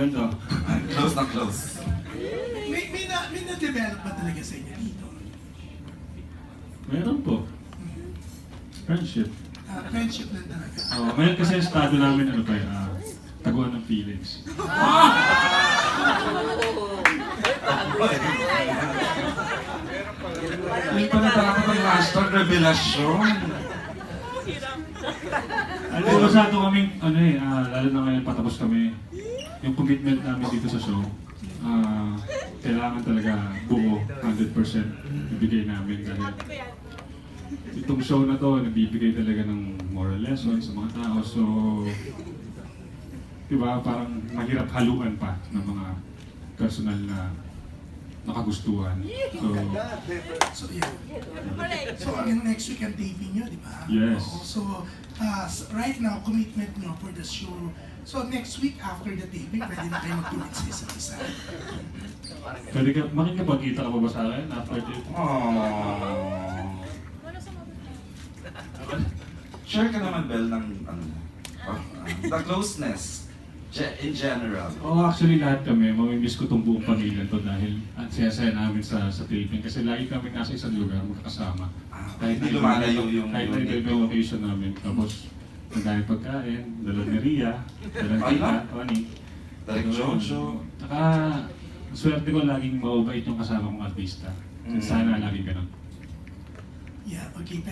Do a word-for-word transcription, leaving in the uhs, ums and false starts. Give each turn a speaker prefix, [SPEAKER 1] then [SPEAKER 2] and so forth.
[SPEAKER 1] kwento.
[SPEAKER 2] Close na close.
[SPEAKER 3] May, may, na, may na-develop ba talaga sa inyo dito?
[SPEAKER 1] Meron po. Friendship.
[SPEAKER 3] Ah, friendship lang talaga.
[SPEAKER 1] Oh, ngayon kasi ang estado namin, ano pa, uh, taguan ng feelings.
[SPEAKER 2] May pala dapat ang hashtag revelasyon.
[SPEAKER 1] Ano, masyado kaming, ano eh, ah, lalo na ngayon patapos kami, yung commitment namin dito sa show, ah, kailangan talaga buo, one hundred percent ibigay namin dahil itong show na to, nagbibigay talaga ng moral lessons sa mga tao, so, di ba, parang mahirap haluan pa ng mga personal na nakagustuhan. So,
[SPEAKER 3] So, yeah. So, hanggang next week ang taping nyo, di ba?
[SPEAKER 1] Yes.
[SPEAKER 3] Oo. So, uh, right now, commitment nyo for the show. So, next week after the taping, pwede na kayo mag-commit sa isa't isa.
[SPEAKER 1] pwede ka, makikipagkita ka pa ba sa akin after this?
[SPEAKER 2] Aww. Share ka naman, Bel, ng ano, uh, the closeness ge- in general.
[SPEAKER 1] Oo, oh, actually lahat kami, mamimiss ko itong buong pamilya to dahil ang saya-saya namin sa, sa taping kasi lagi kami nasa isang lugar magkakasama.
[SPEAKER 2] Ah,
[SPEAKER 1] Kahit
[SPEAKER 2] hindi
[SPEAKER 1] na
[SPEAKER 2] lumalayo yung
[SPEAKER 1] kahit na
[SPEAKER 2] unit
[SPEAKER 1] iba yung location namin. Tapos, nagdaming pagkain, dala ni Ria, dala ni
[SPEAKER 2] Ay,
[SPEAKER 1] Tita,
[SPEAKER 2] no?
[SPEAKER 1] Tony.
[SPEAKER 2] Direk Jojo.
[SPEAKER 1] Saka, swerte ko laging mababait yung kasama kong artista.
[SPEAKER 2] Mm.
[SPEAKER 1] Sana lagi ganun.
[SPEAKER 3] Yeah, okay.